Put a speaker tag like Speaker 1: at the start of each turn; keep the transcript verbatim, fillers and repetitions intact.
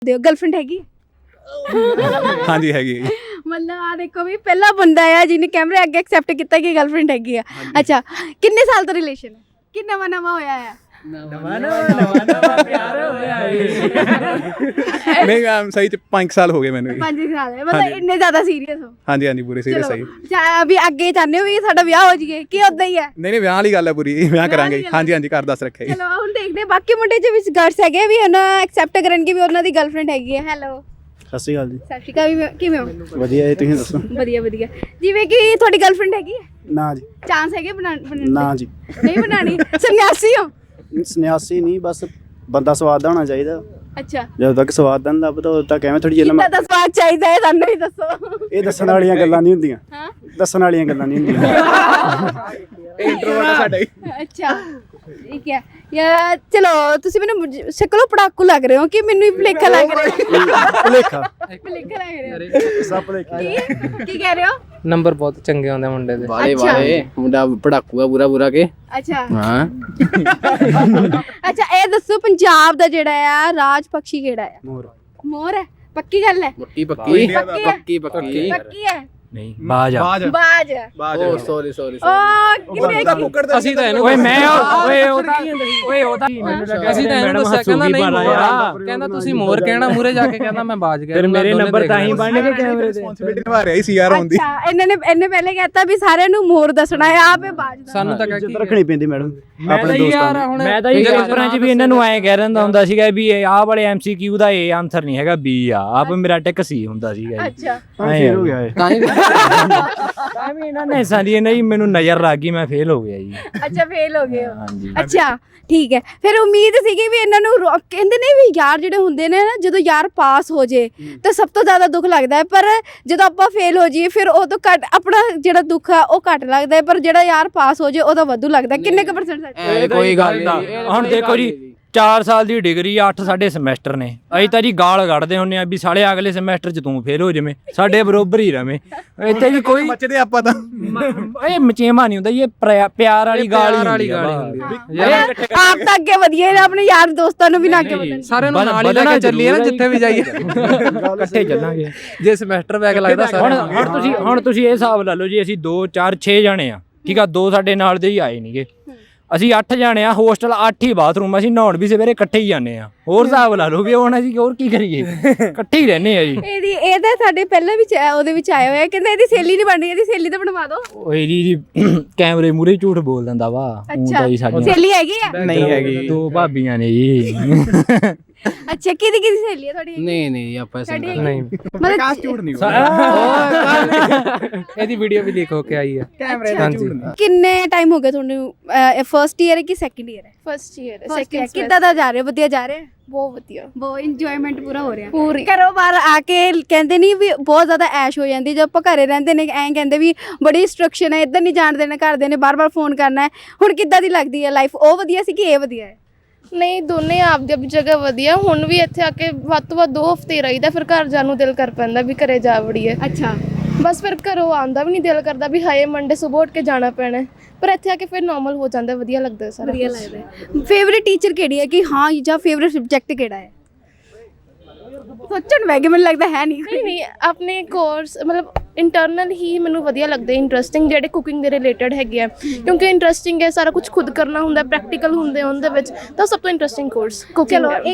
Speaker 1: ਦਿਓ ਗਰਲਫ੍ਰੈਂਡ ਹੈਗੀ?
Speaker 2: ਹਾਂਜੀ ਹੈਗੀ ਹੈ।
Speaker 1: ਮਤਲਬ ਆ ਦੇਖੋ ਵੀ ਪਹਿਲਾ ਬੰਦਾ ਆ ਜਿਹਨੇ ਕੈਮਰੇ ਅੱਗੇ ਐਕਸੈਪਟ ਕੀਤਾ ਕਿ ਗਰਲਫ੍ਰੈਂਡ ਹੈਗੀ ਆ। ਅੱਛਾ, ਕਿੰਨੇ ਸਾਲ ਦਾ ਰਿਲੇਸ਼ਨ ਹੈ ਕਿ ਨਵਾਂ ਨਵਾਂ ਹੋਇਆ ਆ?
Speaker 3: ਨਵਾਂ ਨਵਾਂ ਨਵਾਂ ਪਿਆਰ ਹੋਇਆ
Speaker 2: ਨਹੀਂ ਮੈਮ ਸਹੀ ਚ ਪੰਜ ਸਾਲ ਹੋ ਗਏ ਮੈਨੂੰ।
Speaker 1: ਪੰਜ ਸਾਲ ਹੈ ਮਤਲਬ ਇੰਨੇ ਜ਼ਿਆਦਾ ਸੀਰੀਅਸ ਹੋ?
Speaker 2: ਹਾਂਜੀ ਹਾਂਜੀ ਪੂਰੇ ਸੀਰੀਅਸ ਸਹੀ।
Speaker 1: ਚਾ ਵੀ ਅੱਗੇ ਚਾਹੁੰਦੇ ਹੋ ਵੀ ਸਾਡਾ ਵਿਆਹ ਹੋ ਜਾਈਏ ਕਿ ਉਦਾਂ ਹੀ ਹੈ?
Speaker 2: ਨਹੀਂ ਨਹੀਂ ਵਿਆਹ ਵਾਲੀ ਗੱਲ ਹੈ ਪੂਰੀ, ਵਿਆਹ ਕਰਾਂਗੇ। ਹਾਂਜੀ ਹਾਂਜੀ ਘਰ ਦੱਸ ਰੱਖਿਆ ਜੀ।
Speaker 1: ਚਲੋ ਹੁਣ ਦੇਖਦੇ ਬਾਕੀ ਮੁੰਡੇ ਚ ਵਿੱਚ ਗਰਲਸ ਹੈਗੇ ਵੀ ਉਹਨਾਂ ਐਕਸੈਪਟ ਕਰਨਗੇ ਵੀ ਉਹਨਾਂ ਦੀ ਗਰਲਫ੍ਰੈਂਡ ਹੈਗੀ ਹੈ। ਹੈਲੋ
Speaker 4: ਸਤਿ ਸ਼੍ਰੀ ਅਕਾਲ ਜੀ।
Speaker 1: ਸਤਿ ਸ਼੍ਰੀ ਅਕਾਲ, ਵੀ ਕਿਵੇਂ ਹੋ?
Speaker 4: ਵਧੀਆ ਜੀ, ਤੁਸੀਂ ਦੱਸੋ?
Speaker 1: ਵਧੀਆ ਵਧੀਆ। ਜਿਵੇਂ ਕਿ ਤੁਹਾਡੀ ਗਰਲਫ੍ਰੈਂਡ ਹੈਗੀ ਹੈ?
Speaker 4: ਨਾ ਜੀ।
Speaker 1: ਚਾਂਸ ਹੈਗੇ ਬਣਾਉਣ ਬਣਾਉਣ ਦੇ?
Speaker 4: ਨਾ ਜੀ।
Speaker 1: ਨਹੀਂ ਬਣਾਣੀ? ਸੰਨਿਆਸੀ ਹੋ?
Speaker 4: ਸੰਨਿਆਸੀ ਨਹੀਂ, ਬਸ ਬੰਦਾ ਸਵਾਦ ਦਾ ਹੋਣਾ ਚਾਹੀਦਾ।
Speaker 1: ਅੱਛਾ,
Speaker 4: ਜਦੋਂ ਤੱਕ ਸਵਾਦ ਦਾ ਹੁੰਦਾ ਪਤਾ ਉਦੋਂ ਤੱਕ ਐਵੇਂ ਥੋੜੀ ਜਿਹੀ
Speaker 1: ਕਿੰਨਾ ਦਾ ਸਵਾਦ ਚਾਹੀਦਾ ਹੈ ਸਾਨੂੰ ਵੀ ਦੱਸੋ।
Speaker 4: ਇਹ ਦੱਸਣ ਵਾਲੀਆਂ ਗੱਲਾਂ ਨਹੀਂ ਹੁੰਦੀਆਂ।
Speaker 1: ਹਾਂ,
Speaker 4: ਦੱਸਣ ਵਾਲੀਆਂ ਗੱਲਾਂ ਨਹੀਂ ਹੁੰਦੀਆਂ।
Speaker 2: ਇੰਟਰੋਵਰਟ ਆ ਸਾਡਾ ਹੀ।
Speaker 1: ਅੱਛਾ ਠੀਕ ਹੈ ਯਾਰ। ਚਲੋ ਤੁਸੀਂ ਮੈਨੂੰ ਸ਼ਕਲੋਂ ਪੜਾਕੂ ਲੱਗ ਰਹੇ ਹੋ ਕਿ ਮੈਨੂੰ ਹੀ ਭੁਲੇਖਾ ਲੱਗ ਰਿਹਾ?
Speaker 4: ਭੁਲੇਖਾ
Speaker 1: ਭੁਲੇਖਾ ਲੱਗ ਰਿਹਾ?
Speaker 4: ਸਭ ਭੁਲੇਖਾ।
Speaker 1: ਕੀ ਕੀ ਕਹਿ ਰਹੇ ਹੋ?
Speaker 3: ਨੰਬਰ ਬਹੁਤ ਚੰਗੇ ਹੁੰਦੇ ਮੁੰਡੇ ਦੇ।
Speaker 5: ਵਾਲੇ ਵਾਲੇ ਮੁੰਡਾ ਪੜਾਕੂ ਆ ਪੂਰਾ ਪੂਰਾ ਕੇ।
Speaker 1: ਅੱਛਾ
Speaker 5: ਹਾਂ
Speaker 1: ਅੱਛਾ, ਇਹ ਦੱਸੋ ਪੰਜਾਬ ਦਾ ਜਿਹੜਾ ਆ ਰਾਜ ਪਕਸ਼ੀ ਕਿਹੜਾ ਆ?
Speaker 4: ਮੋਰ।
Speaker 1: ਮੋਰ ਹੈ? ਪੱਕੀ ਗੱਲ ਹੈ?
Speaker 5: ਮੁੱਟੀ ਪੱਕੀ
Speaker 1: ਪੱਕੀ ਹੈ?
Speaker 5: ਪੱਕੀ ਪੱਕੀ
Speaker 1: ਪੱਕੀ ਹੈ?
Speaker 3: ਨਹੀਂ ਬਾਜ ਆ।
Speaker 2: ਬਾਜ
Speaker 1: ਬਾਜ
Speaker 2: ਬਾਜ।
Speaker 5: ਓ ਸੌਰੀ ਸੌਰੀ
Speaker 1: ਉਹ ਕਿੰਨੇ
Speaker 3: ਅਸੀਂ ਤਾਂ ਇਹਨੂੰ ਓਏ ਮੈਂ ਓਏ ਉਹਦਾ ਓਏ ਉਹਦਾ ਅਸੀਂ ਤਾਂ ਇਹਨੂੰ ਦੱਸਿਆ ਕਹਿੰਦਾ ਨਹੀਂ ਮੋਰ, ਕਹਿੰਦਾ ਤੁਸੀਂ ਮੋਰ ਕਹਿਣਾ ਮੂਰੇ ਜਾ ਕੇ, ਕਹਿੰਦਾ ਮੈਂ ਬਾਜ ਗਿਆ। ਫਿਰ ਮੇਰੇ ਨੰਬਰ ਤਾਂ ਹੀ ਬਣ ਗਏ ਕੈਮਰੇ ਤੇ।
Speaker 2: ਰਿਸਪੌਂਸਿਬਿਲਟੀ ਨਿਭਾ ਰਿਹਾ ਸੀ ਯਾਰ ਹੁੰਦੀ।
Speaker 1: ਅੱਛਾ, ਇਹਨਾਂ ਨੇ ਇਹਨੇ ਪਹਿਲੇ ਕਹਿਤਾ ਵੀ ਸਾਰਿਆਂ ਨੂੰ ਮੋਰ ਦੱਸਣਾ ਹੈ, ਆਪੇ ਬਾਜ ਦਾ।
Speaker 3: ਸਾਨੂੰ ਤਾਂ
Speaker 4: ਇੱਜ਼ਤ ਰੱਖਣੀ ਪੈਂਦੀ ਮੈਡਮ ਆਪਣੇ
Speaker 3: ਯਾਰ
Speaker 4: ਦੋਸਤਾਂ
Speaker 3: ਹੁਣ
Speaker 6: ਮੈਂ ਤਾਂ ਇਹ ਪੇਪਰਾਂ 'ਚ ਵੀ ਇਹਨਾਂ ਨੂੰ ਐਂ ਕਹਿ ਰਹਿੰਦਾ ਹੁੰਦਾ ਸੀਗਾ ਵੀ ਇਹ ਆਹ ਵਾਲੇ ਐਮਸੀਕਿਊ ਦਾ ਇਹ ਆਨਸਰ ਨਹੀਂ ਹੈਗਾ, ਬੀ ਆ। ਆਪ ਮੇਰਾ ਟਿਕ ਸੀ ਹੁੰਦਾ ਸੀਗਾ ਜੀ।
Speaker 1: ਅੱਛਾ
Speaker 4: ਨੂੰ। ਫੇਰ ਹੋ ਗਿਆ ਇਹ।
Speaker 5: ਤਾਂ ਹੀ
Speaker 6: ਤਾਂ ਵੀ ਇਹਨਾਂ ਨੇ ਸਾਡੀ ਨਹੀਂ ਮੈਨੂੰ ਨਜ਼ਰ ਲੱਗ ਗਈ, ਮੈਂ ਫੇਲ ਹੋ ਗਿਆ ਜੀ।
Speaker 1: ਅੱਛਾ, ਫੇਲ ਹੋ ਗਏ ਹੋ?
Speaker 6: ਹਾਂਜੀ।
Speaker 1: ਅੱਛਾ ਠੀਕ ਹੈ। ਫਿਰ ਉਮੀਦ ਸੀਗੀ ਵੀ ਇਹਨਾਂ ਨੂੰ ਰੋ- ਕਹਿੰਦੇ ਨੇ ਵੀ ਯਾਰ ਜਿਹੜੇ ਹੁੰਦੇ ਨੇ ਨਾ, ਜਦੋਂ ਯਾਰ ਪਾਸ ਹੋ ਜੇ ਤਾਂ ਸਭ ਤੋਂ ਜ਼ਿਆਦਾ ਦੁੱਖ ਲੱਗਦਾ ਹੈ, ਪਰ ਜਦੋਂ ਆਪਾਂ ਫੇਲ ਹੋ ਜਾਈਏ ਫਿਰ ਉਹ ਤੋਂ ਘੱਟ ਆਪਣਾ ਜਿਹੜਾ ਦੁੱਖ ਆ ਉਹ ਘੱਟ ਲੱਗਦਾ ਹੈ, ਪਰ ਜਿਹੜਾ ਯਾਰ ਪਾਸ ਹੋ ਜੇ ਉਹਦਾ ਵਾਧੂ ਲੱਗਦਾ। ਕਿੰਨੇ ਕੁ ਪਰਸੈਂਟ ਸੱਚ?
Speaker 5: ਐ ਕੋਈ ਗੱਲ ਨਹੀਂ।
Speaker 6: ਹੁਣ ਦੇਖੋ ਜੀ, ਚਾਰ ਸਾਲ ਦੀ ਡਿਗਰੀ, ਅੱਠ ਸਾਡੇ ਸਮੈਸਟਰ ਨੇ। ਅਸੀਂ ਤਾਂ ਜੀ ਗਾਲ ਕੱਢਦੇ ਹੁੰਦੇ ਆ ਵੀ ਸਾਲੇ ਅਗਲੇ ਸਮੈਸਟਰ 'ਚ ਤੂੰ ਫੇਲ ਹੋ ਜਾਵੇਂ, ਸਾਡੇ ਬਰੋਬਰ ਹੀ ਰਵੇਂ। ਇੱਥੇ ਵੀ ਕੋਈ
Speaker 2: ਮੱਚਦੇ ਆਪਾਂ ਤਾਂ
Speaker 6: ਇਹ ਮਚੇਮਾ ਨਹੀਂ ਹੁੰਦਾ, ਇਹ ਪ੍ਰਿਆ- ਪਿਆਰ ਵਾਲੀ ਗਾਲ ਹੀ ਹੁੰਦੀ ਆ।
Speaker 1: ਆਪ ਤਾਂ ਅੱਗੇ ਵਧੀਏ ਨਾ, ਆਪਣੇ ਯਾਰ ਦੋਸਤਾਂ ਨੂੰ ਵੀ ਨਾ ਅੱਗੇ ਵਧਣ।
Speaker 3: ਸਾਰਿਆਂ ਨੂੰ ਨਾਲ ਹੀ ਲੈ ਕੇ ਚੱਲੀਏ ਨਾ ਜਿੱਥੇ ਵੀ ਜਾਈਏ,
Speaker 6: ਇਕੱਠੇ ਚੱਲਾਂਗੇ।
Speaker 3: ਜੇ ਸਮੈਸਟਰ ਬੈਕ ਲੱਗਦਾ
Speaker 6: ਹੁਣ
Speaker 3: ਸਾਰਿਆਂ ਨੂੰ।
Speaker 6: ਹੁਣ ਤੁਸੀਂ ਹੁਣ ਤੁਸੀਂ ਇਹ ਹਿਸਾਬ ਲਾ ਲਓ ਜੀ, ਅਸੀਂ ਦੋ ਚਾਰ ਛੇ ਜਾਣੇ ਆ, ਠੀਕ ਆ, ਦੋ ਸਾਡੇ ਨਾਲ ਦੇ ਹੀ ਆਏ ਨਹੀਂਗੇ। ਅਸੀਂ ਅੱਠ ਜਾਣੇ ਆ, ਹੋਸਟਲ ਅੱਠ ਹੀ ਬਾਥਰੂਮ, ਅਸੀਂ ਨਹਾਉਣ ਵੀ ਸਵੇਰੇ ਇਕੱਠੇ ਹੀ ਜਾਂਦੇ ਆ। ਹੋਰ ਹਿਸਾਬ ਲਾ ਲਓ ਵੀ ਹੁਣ ਅਸੀਂ ਹੋਰ ਕੀ ਕਰੀਏ, ਇਕੱਠੇ ਹੀ ਰਹਿੰਦੇ ਆ ਜੀ।
Speaker 1: ਇਹਦੀ ਇਹ ਤਾਂ ਸਾਡੇ ਪਹਿਲਾਂ ਵੀ ਉਹਦੇ ਵਿੱਚ ਆਇਆ ਹੋਇਆ, ਕਹਿੰਦਾ ਇਹਦੀ ਸਹੇਲੀ ਨਹੀਂ ਬਣ ਰਹੀ, ਇਹਦੀ ਸਹੇਲੀ ਤਾਂ ਬਣਵਾ ਦਿਓ।
Speaker 6: ਉਹ ਇਹਦੀ ਜੀ ਕੈਮਰੇ ਮੂਰੇ ਝੂਠ ਬੋਲ ਦਿੰਦਾ ਵਾ। ਊਂ ਤਾਂ ਜੀ ਸਾਡੀਆਂ
Speaker 1: ਸਹੇਲੀ ਹੈਗੀ ਆ?
Speaker 2: ਨਹੀਂ ਹੈਗੀ।
Speaker 6: ਦੋ ਭਾਬੀਆਂ ਨੇ ਜੀ।
Speaker 1: ਅੱਛਾ, ਕਿਹਦੀ ਕਿਹਦੀ ਸਹੇਲੀ ਹੈ ਤੁਹਾਡੀ?
Speaker 5: ਨਹੀਂ ਨਹੀਂ ਆਪਾਂ
Speaker 1: ਸਾਡੀ
Speaker 5: ਸਿੰਗਲ
Speaker 3: ਨਹੀਂ,
Speaker 1: ਮਤਲਬ
Speaker 2: ਕਾਸ ਝੂਠ ਨਹੀਂ
Speaker 3: ਇਹਦੀ ਵੀਡੀਓ ਵੀ ਲੀਕ ਹੋ ਕੇ ਆਈ ਹੈ।
Speaker 2: ਕੈਮਰੇ
Speaker 3: ਹਾਂਜੀ।
Speaker 1: ਕਿੰਨੇ ਟਾਈਮ ਹੋ ਗਿਆ ਤੁਹਾਨੂੰ? ਫਰਸਟ ਈਅਰ ਹੈ ਕਿ ਸੈਕੰਡ ਈਅਰ ਹੈ?
Speaker 7: ਫਸਟ ਈਅਰ
Speaker 1: ਸੈਕੰਡ ਕਿੱਦਾਂ ਦਾ ਜਾ ਰਿਹਾ? ਵਧੀਆ ਜਾ ਰਿਹਾ?
Speaker 7: ਬਹੁਤ ਵਧੀਆ
Speaker 1: ਬਹੁਤ ਇੰਜੋਇਮੈਂਟ ਪੂਰਾ ਹੋ ਰਿਹਾ?
Speaker 7: ਪੂਰੀ
Speaker 1: ਘਰੋਂ ਬਾਹਰ ਆ ਕੇ ਕਹਿੰਦੇ ਨਹੀਂ ਵੀ ਬਹੁਤ ਜ਼ਿਆਦਾ ਐਸ਼ ਹੋ ਜਾਂਦੀ, ਜਦੋਂ ਆਪਾਂ ਘਰੇ ਰਹਿੰਦੇ ਨੇ ਐਂ ਕਹਿੰਦੇ ਵੀ ਬੜੀ ਇੰਸਟਰਕਸ਼ਨ ਹੈ, ਇੱਧਰ ਨਹੀਂ ਜਾਣ ਦੇਣਾ ਘਰਦੇ ਨੇ, ਬਾਰ-ਬਾਰ ਫੋਨ ਕਰਨਾ ਹੈ। ਹੁਣ ਕਿੱਦਾਂ ਦੀ ਲੱਗਦੀ ਹੈ ਲਾਈਫ? ਉਹ ਵਧੀਆ ਸੀ ਕਿ ਇਹ ਵਧੀਆ ਹੈ?
Speaker 7: ਨਹੀਂ, ਦੋਨੇ ਆਪਦੀ ਆਪਦੀ ਜਗ੍ਹਾ ਵਧੀਆ। ਹੁਣ ਵੀ ਇੱਥੇ ਆ ਕੇ ਵੱਧ ਤੋਂ ਵੱਧ ਦੋ ਹਫ਼ਤੇ ਰਹੀਦਾ, ਫਿਰ ਘਰ ਜਾਣ ਨੂੰ ਦਿਲ ਕਰ ਪੈਂਦਾ ਵੀ ਘਰੇ ਜਾ ਵੜੀਏ।
Speaker 1: ਅੱਛਾ,
Speaker 7: ਬਸ ਫਿਰ ਘਰੋਂ ਆਉਂਦਾ ਵੀ ਨਹੀਂ ਦਿਲ ਕਰਦਾ ਵੀ ਹਾਏ ਮੰਡੇ ਸੁਬਹ ਉੱਠ ਕੇ ਜਾਣਾ ਪੈਣਾ, ਪਰ ਇੱਥੇ ਆ ਕੇ ਫਿਰ ਨਾਰਮਲ ਹੋ ਜਾਂਦਾ, ਵਧੀਆ ਲੱਗਦਾ ਸਾਰਾ।
Speaker 1: ਵਧੀਆ ਲੱਗਦਾ ਹੈ। ਫੇਵਰੇਟ ਟੀਚਰ ਕਿਹੜੀ ਹੈ ਕਿ ਹਾਂ ਜਾਂ ਫੇਵਰੇਟ ਸਬਜੈਕਟ ਕਿਹੜਾ ਹੈ? ਸੋਚਣ ਵੈਗੇ ਮੈਨੂੰ ਲੱਗਦਾ ਹੈ ਨਹੀਂ।
Speaker 7: ਨਹੀਂ ਨਹੀਂ, ਆਪਣੇ ਕੋਰਸ ਮਤਲਬ ਇੰਟਰਨਲ ਹੀ ਮੈਨੂੰ ਵਧੀਆ ਲੱਗਦੇ, ਇੰਟਰਸਟਿੰਗ, ਜਿਹੜੇ ਕੁਕਿੰਗ ਦੇ ਰਿਲੇਟਡ ਹੈਗੇ ਆ, ਕਿਉਂਕਿ ਇੰਟਰਸਟਿੰਗ ਹੈ, ਸਾਰਾ ਕੁਝ ਖੁਦ ਕਰਨਾ ਹੁੰਦਾ, ਪ੍ਰੈਕਟੀਕਲ ਹੁੰਦੇ ਉਹਦੇ ਵਿੱਚ, ਤਾਂ ਸਭ ਤੋਂ ਇੰਟਰਸਟਿੰਗ ਕੋਰਸ ਕੁਕਿੰਗ
Speaker 1: ਚਲੋ
Speaker 7: ਹੈ।